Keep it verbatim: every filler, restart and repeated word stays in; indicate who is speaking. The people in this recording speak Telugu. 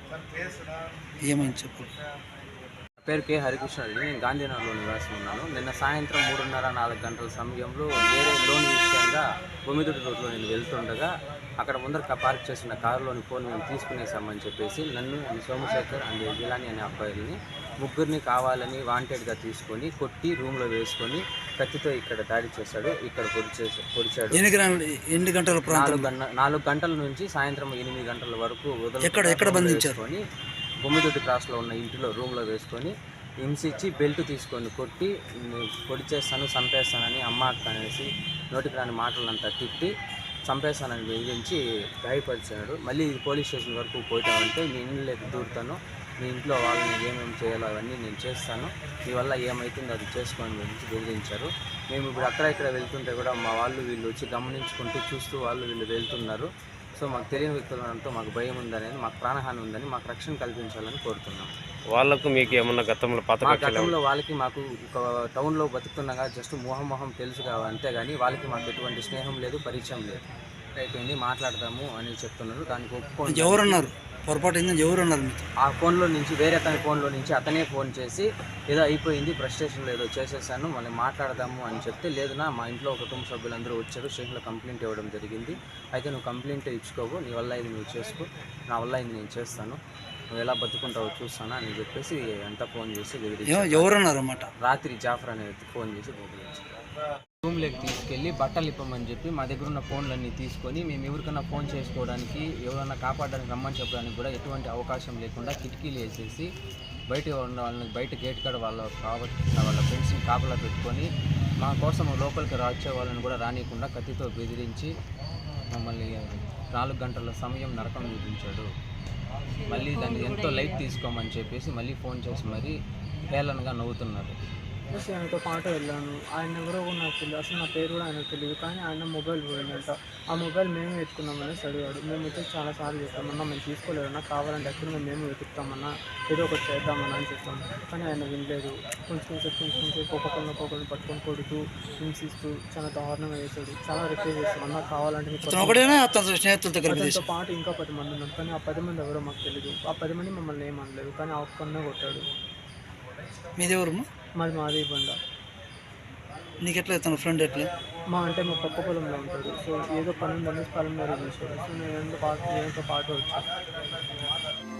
Speaker 1: ఏమని చెప్పు.
Speaker 2: పేరు కే హరికృష్ణారెడ్డి. నేను గాంధీనగర్లో నివాసం ఉన్నాను. నిన్న సాయంత్రం మూడున్నర నాలుగు గంటల సమయంలో వేరే లోన్ విషయంగా బొమ్మిదిటి రోడ్లో నేను వెళ్తుండగా అక్కడ ముందర పార్క్ చేసిన కారులోని ఫోన్ మేము తీసుకునేసామని చెప్పేసి నన్ను అండ్ సోమశేఖర్ అండ్ జిలాని అనే అబ్బాయిల్ని ముగ్గురిని కావాలని వాంటెడ్గా తీసుకొని కొట్టి రూమ్లో వేసుకొని కత్తితో ఇక్కడ దాడి చేశాడు. ఇక్కడ పొడి చేసి పొడిచాడు.
Speaker 1: ఎన్ని గంటల
Speaker 2: నాలుగు గంట నాలుగు గంటల నుంచి సాయంత్రం ఎనిమిది గంటల వరకు
Speaker 1: ఎక్కడ ఎక్కడ బంధించుకొని
Speaker 2: బొమ్మిదొడ్డి క్రాస్లో ఉన్న ఇంటిలో రూమ్లో వేసుకొని హింసించి బెల్ట్ తీసుకొని కొట్టి పొడి చేస్తాను చంపేస్తానని అమ్మ అక్క అనేసి నోటికి రాని మాటలంతా తిట్టి చంపేస్తానని బెదిరించి గాయపరిచాడు. మళ్ళీ పోలీస్ స్టేషన్ వరకు పోతామంటే మీ ఇంట్లోకి దూరుతాను, మీ ఇంట్లో వాళ్ళని ఏమేమి చేయాలో అవన్నీ నేను చేస్తాను, మీ వల్ల ఏమవుతుందో అది చేసుకోని గురించి బెదిరించారు. మేము ఇప్పుడు అక్కడ ఇక్కడ వెళ్తుంటే కూడా మా వాళ్ళు వీళ్ళు వచ్చి గమనించుకుంటూ చూస్తూ వాళ్ళు వీళ్ళు వెళ్తున్నారు. సో మాకు తెలియని వ్యక్తులతో మాకు భయం ఉందనేది, మాకు ప్రాణహాని ఉందని, మాకు రక్షణ కల్పించాలని కోరుతున్నాం.
Speaker 3: వాళ్ళకు మీకు ఏమన్నా గతంలో పాత
Speaker 2: మా గతంలో వాళ్ళకి మాకు ఒక టౌన్లో బతుకుతున్నాగా జస్ట్ మొహం మొహం తెలుసు కావు, అంతేగాని వాళ్ళకి మాకు ఎటువంటి స్నేహం లేదు, పరిచయం లేదు. అయిపోయింది మాట్లాడదాము అని చెప్తున్నారు. దానికి ఒప్పుకోండి.
Speaker 1: ఎవరున్నారు పొరపాటు ఎవరు ఉన్నారు?
Speaker 2: ఆ ఫోన్లో నుంచి వేరే అతని ఫోన్లో నుంచి అతనే ఫోన్ చేసి ఏదో అయిపోయింది ఫ్రస్ట్రేషన్లో ఏదో చేసేసాను మళ్ళీ మాట్లాడదాము అని చెప్తే, లేదునా మా ఇంట్లో కుటుంబ సభ్యులందరూ వచ్చారు, స్టేషన్లో కంప్లైంట్ ఇవ్వడం జరిగింది, అయితే నువ్వు కంప్లైంట్ ఇచ్చుకోవు, నీ వల్ల ఇది నువ్వు చేసుకో, నా వల్ల ఇది నేను చేస్తాను, నువ్వు ఎలా బతుకుంటావో చూస్తాను అని చెప్పేసి అంతా ఫోన్ చేసి బెదిరించారు.
Speaker 1: ఎవరున్నారు అన్నమాట?
Speaker 2: రాత్రి జాఫర్ అనేది ఫోన్ చేసి బెదిరించారు. రూమ్లోకి తీసుకెళ్ళి బట్టలు ఇప్పమని చెప్పి మా దగ్గర ఉన్న ఫోన్లన్నీ తీసుకొని మేము ఎవరికైనా ఫోన్ చేసుకోవడానికి ఎవరైనా కాపాడడానికి రమ్మని చెప్పడానికి కూడా ఎటువంటి అవకాశం లేకుండా కిటికీలు వేసేసి బయట ఉన్న వాళ్ళని బయట గేట్ కాడ వాళ్ళ కావచ్చిన వాళ్ళ ఫ్రెండ్స్ని కాపలా పెట్టుకొని మా కోసం లోపలికి వచ్చే వాళ్ళని కూడా రానియకుండా కత్తితో బెదిరించి మమ్మల్ని నాలుగు గంటల సమయం నరకం చూపించాడు. మళ్ళీ దాన్ని ఎంతో లైట్ తీసుకోమని చెప్పేసి మళ్ళీ ఫోన్ చేసి మరీ హేళనగా నవ్వుతున్నారు.
Speaker 4: చూసి ఆయనతో పాటు వెళ్ళాను. ఆయన ఎవరో కూడా నాకు తెలియదు, అసలు నా పేరు కూడా ఆయనకు తెలియదు. కానీ ఆయన మొబైల్ పోయిందంట. ఆ మొబైల్ మేము ఎత్తుకున్నామనేసి అడిగాడు. మేము వచ్చి చాలాసార్లు చెప్పామన్నా మేము తీసుకోలేదన్నా, కావాలంటే ఎక్కడ మేము మేము వెతుకుతామన్నా, ఏదో ఒకటి చేద్దామన్నా అని చెప్పాము. కానీ ఆయన వినలేదు. కొంచెం కొంచెం కొంచెం కొంచెం ఒక్కొక్కరిని ఒక్కొక్కరిని పట్టుకొని కొడుతూ హింసిస్తూ చాలా దారుణంగా వేశాడు. చాలా రిక్వెస్ట్ చేస్తాం, అన్నా కావాలంటే అతనితో పాటు ఇంకా పది మంది ఉన్నారు. కానీ ఆ పది మంది ఎవరో మాకు తెలియదు. ఆ పది మంది మమ్మల్ని ఏమనలేదు, కానీ ఆ ఒక్కనే కొట్టాడు.
Speaker 1: మీది ఎవరు?
Speaker 4: మాది మాది బండ.
Speaker 1: నీకు ఎట్లా తన ఫ్రెండ్ ఎట్లా?
Speaker 4: మా అంటే మా పక్క పొలంలో ఉంటాడు. సో ఏదో పని ఉందని పొలం మీద చేశాడు. సో నేను పాటు నేనుతో పాటు వచ్చాను.